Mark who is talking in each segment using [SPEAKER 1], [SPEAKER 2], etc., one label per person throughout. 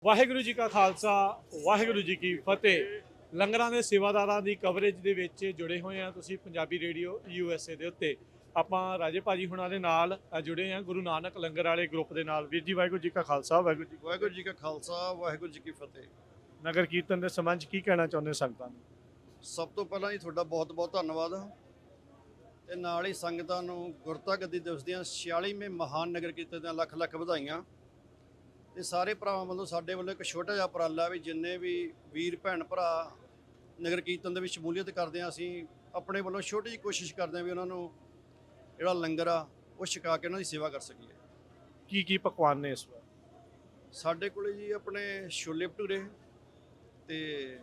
[SPEAKER 1] ਵਾਹਿਗੁਰੂ ਜੀ ਕਾ ਖਾਲਸਾ ਵਾਹਿਗੁਰੂ ਜੀ ਕੀ ਫਤਿਹ। ਲੰਗਰਾਂ ਦੇ ਸੇਵਾਦਾਰਾਂ ਦੀ ਕਵਰੇਜ ਦੇ ਵਿੱਚ ਜੁੜੇ ਹੋਏ ਆ ਤੁਸੀਂ ਪੰਜਾਬੀ ਰੇਡੀਓ USA ਦੇ ਉੱਤੇ। ਆਪਾਂ ਰਾਜੇ ਭਾਜੀ ਹੁਣਾਂ ਦੇ ਨਾਲ ਜੁੜੇ ਆ ਗੁਰੂ ਨਾਨਕ ਲੰਗਰ ਵਾਲੇ ਗਰੁੱਪ ਦੇ ਨਾਲ। ਵੀਰ ਜੀ ਵਾਹਿਗੁਰੂ ਜੀ ਕਾ ਖਾਲਸਾ
[SPEAKER 2] ਵਾਹਿਗੁਰੂ ਜੀ ਕਾ ਖਾਲਸਾ ਵਾਹਿਗੁਰੂ ਜੀ ਕੀ ਫਤਿਹ।
[SPEAKER 1] ਨਗਰ ਕੀਰਤਨ ਦੇ ਸੰਬੰਧ 'ਚ ਕੀ ਕਹਿਣਾ ਚਾਹੁੰਦੇ ਸੰਗਤਾਂ ਨੂੰ?
[SPEAKER 2] ਸਭ ਤੋਂ ਪਹਿਲਾਂ ਜੀ ਤੁਹਾਡਾ ਬਹੁਤ ਬਹੁਤ ਧੰਨਵਾਦ ਤੇ ਨਾਲ ਹੀ ਸੰਗਤਾਂ ਨੂੰ ਗੁਰਤਾ ਗੱਦੀ ਦਿਵਸ ਦੀਆਂ 46ਵੇਂ ਮਹਾਨ ਨਗਰ ਕੀਰਤਨ ਦੀਆਂ ਲੱਖ ਲੱਖ ਵਧਾਈਆਂ। ਤੇ ਸਾਰੇ ਭਰਾਵਾਂ ਵੱਲੋਂ ਸਾਡੇ ਵੱਲੋਂ ਇੱਕ ਛੋਟਾ ਜਿਹਾ ਉਪਰਾਲਾ ਵੀ ਜਿੰਨੇ ਵੀ ਵੀਰ ਭੈਣ ਭਰਾ ਨਗਰ ਕੀਰਤਨ ਦੇ ਵਿੱਚ ਸ਼ਮੂਲੀਅਤ ਕਰਦੇ ਆ, ਅਸੀਂ ਆਪਣੇ ਵੱਲੋਂ ਛੋਟੀ ਜਿਹੀ ਕੋਸ਼ਿਸ਼ ਕਰਦੇ ਆ ਵੀ ਉਹਨਾਂ ਨੂੰ ਜਿਹੜਾ ਲੰਗਰ ਆ ਉਹ ਛਕਾ ਕੇ ਉਹਨਾਂ ਦੀ ਸੇਵਾ ਕਰ ਸਕੀਏ।
[SPEAKER 1] ਕੀ ਕੀ ਪਕਵਾਨ ਨੇ ਇਸ ਵਾਰ?
[SPEAKER 2] ਸਾਡੇ ਕੋਲੇ ਜੀ ਆਪਣੇ ਛੋਲੇ ਭਟੂਰੇ ਤੇ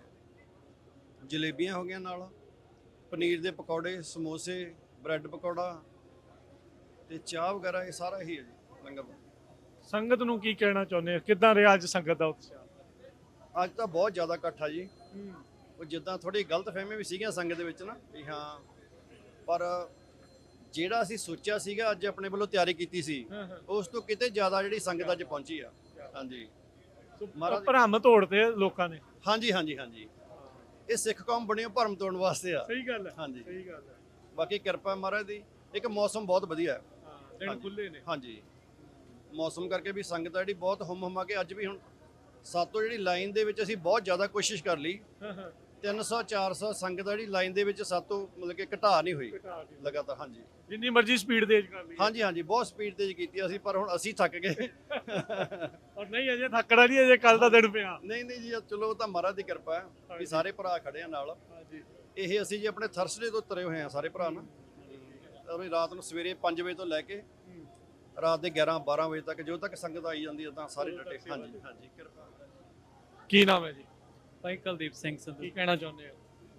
[SPEAKER 2] ਜਲੇਬੀਆਂ ਹੋ ਗਈਆਂ, ਨਾਲ ਪਨੀਰ ਦੇ ਪਕੌੜੇ, ਸਮੋਸੇ, ਬ੍ਰੈਡ ਪਕੌੜਾ ਤੇ ਚਾਹ ਵਗੈਰਾ, ਇਹ ਸਾਰਾ ਹੀ ਹੈ ਜੀ ਲੰਗਰ ਦਾ।
[SPEAKER 1] ਸੰਗਤ ਨੂੰ ਕੀ ਕਹਿਣਾ ਚਾਹੁੰਦੇ ਹੋ? ਕਿੱਦਾਂ ਰਿਹਾ ਅੱਜ ਸੰਗਤ ਦਾ ਉਤਸ਼ਾਹ?
[SPEAKER 2] ਅੱਜ ਤਾਂ ਬਹੁਤ ਜ਼ਿਆਦਾ ਇਕੱਠ ਆ ਜੀ। ਉਹ ਜਿੱਦਾਂ ਥੋੜੀ ਗਲਤ ਫਹਿਮੀ ਵੀ ਸੀਗੀਆਂ ਸੰਗਤ ਦੇ ਵਿੱਚ ਨਾ ਵੀ ਹਾਂ, ਪਰ ਜਿਹੜਾ ਅਸੀਂ ਸੋਚਿਆ ਸੀਗਾ ਅੱਜ ਆਪਣੇ ਵੱਲੋਂ ਤਿਆਰੀ ਕੀਤੀ ਸੀ ਉਸ ਤੋਂ ਕਿਤੇ ਜ਼ਿਆਦਾ ਜਿਹੜੀ ਸੰਗਤ ਅੱਜ ਪਹੁੰਚੀ ਆ। ਹਾਂਜੀ ਮਹਾਰਾਜ
[SPEAKER 1] ਭਰਮ ਤੋੜਦੇ ਲੋਕਾਂ ਨੇ।
[SPEAKER 2] ਹਾਂਜੀ ਹਾਂਜੀ ਹਾਂਜੀ, ਇਹ ਸਿੱਖ ਕੌਮ ਬਣੀ ਉਹ ਭਰਮ ਤੋੜਨ ਵਾਸਤੇ ਆ।
[SPEAKER 1] ਸਹੀ ਗੱਲ ਹੈ।
[SPEAKER 2] ਹਾਂਜੀ
[SPEAKER 1] ਸਹੀ ਗੱਲ ਹੈ।
[SPEAKER 2] ਬਾਕੀ ਕਿਰਪਾ ਮਹਾਰਾਜ ਦੀ। ਇੱਕ ਮੌਸਮ ਬਹੁਤ ਵਧੀਆ ਹੈ।
[SPEAKER 1] ਦਿਨ ਖੁੱਲੇ ਨੇ।
[SPEAKER 2] ਹਾਂਜੀ, ਮੌਸਮ ਕਰਕੇ ਵੀ ਸੰਗਤ ਆ ਜਿਹੜੀ ਬਹੁਤ ਹੁਮ ਹੁਮਾ ਕੇ ਅੱਜ ਵੀ ਹੁਣ ਸਾਤੋਂ ਜਿਹੜੀ ਲਾਈਨ ਦੇ ਵਿੱਚ ਅਸੀਂ ਬਹੁਤ ਜ਼ਿਆਦਾ ਕੋਸ਼ਿਸ਼ ਕਰ ਲਈ। 300 400 ਸੰਗਤ ਆ ਜਿਹੜੀ ਲਾਈਨ ਦੇ ਵਿੱਚ ਸਾਤੋਂ ਮਤਲਬ ਕਿ ਘਟਾ ਨਹੀਂ ਹੋਈ ਲਗਾਤਾਰ। ਹਾਂਜੀ,
[SPEAKER 1] ਜਿੰਨੀ ਮਰਜ਼ੀ ਸਪੀਡ ਤੇਜ਼ ਕਰ ਲਈ।
[SPEAKER 2] ਹਾਂਜੀ ਹਾਂਜੀ, ਬਹੁਤ ਸਪੀਡ ਤੇਜ਼ ਕੀਤੀ ਅਸੀਂ, ਪਰ ਹੁਣ ਅਸੀਂ ਥੱਕ ਗਏ।
[SPEAKER 1] ਔਰ ਨਹੀਂ ਅਜੇ ਥੱਕੜਾ ਨਹੀਂ, ਅਜੇ ਕੱਲ ਦਾ ਦਿਨ ਪਿਆ।
[SPEAKER 2] ਨਹੀਂ ਨਹੀਂ ਜੀ, ਚਲੋ ਉਹ ਤਾਂ ਮਹਾਰਾਜ ਦੀ ਕਿਰਪਾ ਹੈ ਵੀ ਸਾਰੇ ਭਰਾ ਖੜੇ ਆ ਨਾਲ। ਇਹ ਅਸੀਂ ਜੀ ਆਪਣੇ ਥਰਸਡੇ ਤੋਂ ਤੁਰੇ ਹੋਏ ਆ ਸਾਰੇ ਭਰਾ ਨਾ। ਔਰ ਰਾਤ ਨੂੰ ਸਵੇਰੇ 5 ਵਜੇ ਤੋਂ ਲੈ ਕੇ ਰਾਤ ਦੇ 11 12 ਵਜੇ ਤੱਕ ਜਦੋਂ ਤੱਕ ਸੰਗਤ ਆਈ ਜਾਂਦੀ ਹੈ ਤਾਂ ਸਾਰੇ ਡਟੇ। ਹਾਂਜੀ ਹਾਂਜੀ, ਕਿਰਪਾ।
[SPEAKER 1] ਕੀ ਨਾਮ ਹੈ ਜੀ?
[SPEAKER 3] ਭਾਈ ਕੁਲਦੀਪ ਸਿੰਘ ਸੰਧੂ।
[SPEAKER 1] ਕੀ ਕਹਿਣਾ ਚਾਹੁੰਦੇ ਹੋ?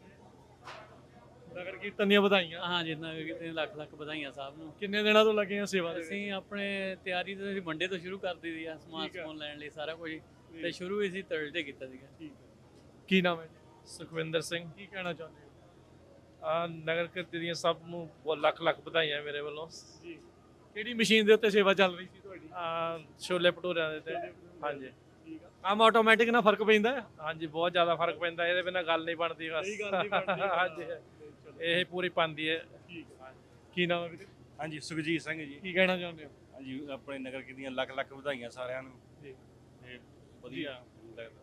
[SPEAKER 1] ਨਗਰ ਕੀਰਤਨ ਦੀਆਂ ਵਧਾਈਆਂ।
[SPEAKER 3] ਹਾਂ ਜੀ, ਨਗਰ ਕੀਰਤਨ ਲੱਖ ਲੱਖ ਵਧਾਈਆਂ ਸਾਹਿਬ ਨੂੰ।
[SPEAKER 1] ਕਿੰਨੇ ਦਿਨਾਂ ਤੋਂ ਲੱਗੇ ਆ ਸੇਵਾ ਦੇ?
[SPEAKER 3] ਅਸੀਂ ਆਪਣੇ ਤਿਆਰੀ ਤਾਂ ਅਸੀਂ ਮੰਡੇ ਤੋਂ ਸ਼ੁਰੂ ਕਰ ਦਿੱਤੀ ਆ, ਸਮਾਨ ਸਮੂਨ ਲੈਣ ਲਈ ਸਾਰਾ ਕੁਝ, ਤੇ ਸ਼ੁਰੂ ਅਸੀਂ ਥਰਸਡੇ ਕੀਤਾ ਸੀਗਾ।
[SPEAKER 1] ਕੀ ਨਾਮ ਹੈ ਜੀ?
[SPEAKER 4] ਸੁਖਵਿੰਦਰ ਸਿੰਘ।
[SPEAKER 1] ਕੀ ਕਹਿਣਾ ਚਾਹੁੰਦੇ ਹੋ?
[SPEAKER 4] ਨਗਰ ਕੀਰਤਨ ਦੀਆਂ ਸਭ ਨੂੰ ਬਹੁਤ ਲੱਖ ਲੱਖ ਵਧਾਈਆਂ ਮੇਰੇ ਵੱਲੋਂ
[SPEAKER 1] ਜੀ। ਕਿਹੜੀ ਮਸ਼ੀਨ ਦੇ ਉੱਤੇ ਸੇਵਾ ਚੱਲ ਰਹੀ ਸੀ ਤੁਹਾਡੀ?
[SPEAKER 4] ਛੋਲੇ ਭਟੂਰਿਆਂ ਦੇ ਤੇ। ਹਾਂਜੀ,
[SPEAKER 1] ਠੀਕ ਆ। ਕੰਮ ਆਟੋਮੈਟਿਕ ਨਾਲ ਫਰਕ ਪੈਂਦਾ ਹੈ?
[SPEAKER 4] ਹਾਂਜੀ, ਬਹੁਤ ਜ਼ਿਆਦਾ ਫਰਕ ਪੈਂਦਾ, ਇਹਦੇ ਬਿਨਾਂ ਗੱਲ ਨਹੀਂ ਬਣਦੀ ਬਸ।
[SPEAKER 1] ਸਹੀ ਗੱਲ ਨਹੀਂ ਬਣਦੀ।
[SPEAKER 4] ਹਾਂਜੀ, ਇਹ ਪੂਰੀ ਪਾਉਂਦੀ ਹੈ।
[SPEAKER 1] ਠੀਕ ਹੈ। ਕੀ ਨਾਮ ਹੈ ਵੀਰੇ?
[SPEAKER 5] ਹਾਂਜੀ, ਸੁਖਜੀਤ ਸਿੰਘ ਜੀ।
[SPEAKER 1] ਕੀ ਕਹਿਣਾ ਚਾਹੁੰਦੇ ਹੋ?
[SPEAKER 5] ਹਾਂਜੀ, ਆਪਣੇ ਨਗਰ ਕੀਰਤਨ ਦੀਆਂ ਲੱਖ ਲੱਖ ਵਧਾਈਆਂ ਸਾਰਿਆਂ ਨੂੰ
[SPEAKER 1] ਜੀ।
[SPEAKER 5] ਤੇ ਵਧੀਆ ਲੱਗਦਾ।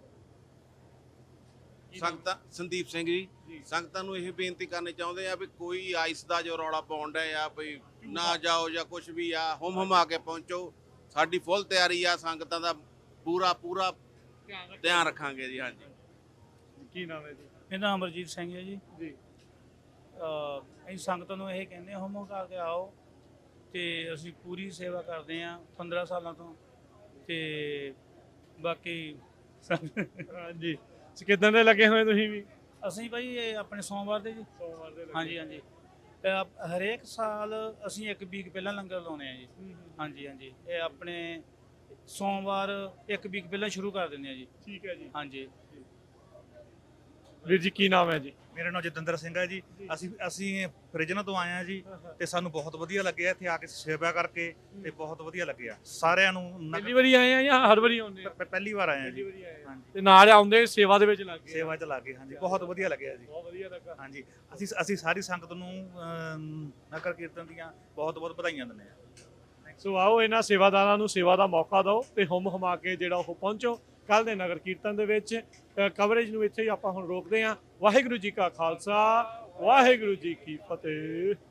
[SPEAKER 6] ਸੰਗਤਾਂ ਸੰਦੀਪ ਸਿੰਘ ਜੀ, ਸੰਗਤਾਂ ਨੂੰ ਇਹ ਬੇਨਤੀ ਕਰਨੀ ਚਾਹੁੰਦੇ ਆ ਵੀ ਕੋਈ ਆਈਸ ਦਾ ਜੋ ਰੌਲਾ ਪਾਉਂਦਾ ਆ ਵੀ ਨਾ ਜਾਓ ਜਾਂ ਕੁਝ ਵੀ ਆ, ਹੁਮ ਹੁਮਾ ਕੇ ਪਹੁੰਚੋ। ਸਾਡੀ ਫੁੱਲ ਤਿਆਰੀ ਆ, ਸੰਗਤਾਂ ਦਾ ਪੂਰਾ ਪੂਰਾ ਧਿਆਨ ਰੱਖਾਂਗੇ ਜੀ। ਹਾਂਜੀ।
[SPEAKER 1] ਕੀ ਨਾਮ ਹੈ ਜੀ?
[SPEAKER 7] ਮੇਰਾ ਨਾਮ ਅਮਰਜੀਤ ਸਿੰਘ ਹੈ ਜੀ।
[SPEAKER 1] ਜੀ।
[SPEAKER 7] ਅਸੀਂ ਸੰਗਤਾਂ ਨੂੰ ਇਹ ਕਹਿੰਦੇ ਹੁਮ ਹੁਮਾ ਕੇ ਆਓ, ਤੇ ਅਸੀਂ ਪੂਰੀ ਸੇਵਾ ਕਰਦੇ ਹਾਂ 15 ਸਾਲਾਂ ਤੋਂ। ਤੇ ਬਾਕੀ
[SPEAKER 1] ਹਾਂਜੀ, ਕਿੱਦਾਂ ਦੇ ਲੱਗੇ ਹੋਏ ਤੁਸੀਂ ਵੀ?
[SPEAKER 7] ਅਸੀਂ ਭਾਈ ਇਹ ਆਪਣੇ ਸੋਮਵਾਰ ਦੇ ਜੀ।
[SPEAKER 1] ਸੋਮਵਾਰ ਦੇ ਲੱਗੇ।
[SPEAKER 7] ਹਾਂਜੀ ਹਾਂਜੀ, ਤੇ ਹਰੇਕ ਸਾਲ ਅਸੀਂ ਇੱਕ ਵੀਕ ਪਹਿਲਾਂ ਲੰਗਰ ਲਾਉਂਦੇ ਆ ਜੀ। ਹਾਂਜੀ ਹਾਂਜੀ, ਇਹ ਆਪਣੇ ਸੋਮਵਾਰ ਇੱਕ ਵੀਕ ਪਹਿਲਾਂ ਸ਼ੁਰੂ ਕਰ ਦਿੰਦੇ ਆ ਜੀ।
[SPEAKER 1] ਠੀਕ ਹੈ ਜੀ।
[SPEAKER 7] ਹਾਂਜੀ।
[SPEAKER 1] ਵੀਰ ਜੀ ਕੀ ਨਾਮ ਹੈ ਜੀ?
[SPEAKER 8] ਮੇਰਾ ਨਾਮ ਜਤਿੰਦਰ ਸਿੰਘ ਹੈ ਜੀ। ਅਸੀਂ ਫਰਿਜਨ ਤੋਂ ਆਏ ਆ ਜੀ, ਤੇ ਸਾਨੂੰ ਬਹੁਤ ਵਧੀਆ ਲੱਗਿਆ ਇੱਥੇ ਆ ਕੇ ਸੇਵਾ ਕਰਕੇ, ਤੇ ਬਹੁਤ ਵਧੀਆ ਲੱਗਿਆ ਸਾਰਿਆਂ ਨੂੰ।
[SPEAKER 1] ਪਹਿਲੀ ਵਾਰੀ ਆਏ ਆ ਜਾਂ ਹਰ ਵਾਰੀ ਆਉਂਦੇ ਆ?
[SPEAKER 8] ਪਹਿਲੀ ਵਾਰ ਆਏ ਆ ਜੀ।
[SPEAKER 1] ਹਾਂਜੀ, ਤੇ ਨਾਲ ਆਉਂਦੇ ਸੇਵਾ ਦੇ ਵਿੱਚ ਲੱਗ ਗਏ?
[SPEAKER 8] ਸੇਵਾ ਚ ਲੱਗੇ। ਹਾਂਜੀ, ਬਹੁਤ ਵਧੀਆ ਲੱਗਿਆ ਜੀ।
[SPEAKER 1] ਬਹੁਤ ਵਧੀਆ ਲੱਗਾ।
[SPEAKER 8] ਹਾਂਜੀ, ਅਸੀਂ ਸਾਰੀ ਸੰਗਤ ਨੂੰ ਨਗਰ ਕੀਰਤਨ ਦੀਆਂ ਬਹੁਤ ਬਹੁਤ ਵਧਾਈਆਂ ਦਿੰਦੇ ਆ।
[SPEAKER 1] ਸੋ ਆਓ ਇਹਨਾਂ ਸੇਵਾਦਾਰਾਂ ਨੂੰ ਸੇਵਾ ਦਾ ਮੌਕਾ ਦਿਓ ਤੇ ਹੁਮ ਹੁਮਾ ਕੇ ਜਿਹੜਾ ਉਹ ਪਹੁੰਚੋ ਕੱਲ ਦੇ ਨਗਰ ਕੀਰਤਨ ਦੇ ਵਿੱਚ। ਕਵਰੇਜ ਨੂੰ ਇੱਥੇ ਹੀ ਆਪਾਂ ਹੁਣ ਰੋਕਦੇ ਹਾਂ। ਵਾਹਿਗੁਰੂ ਜੀ ਕਾ ਖਾਲਸਾ ਵਾਹਿਗੁਰੂ ਜੀ ਕੀ ਫਤਿਹ।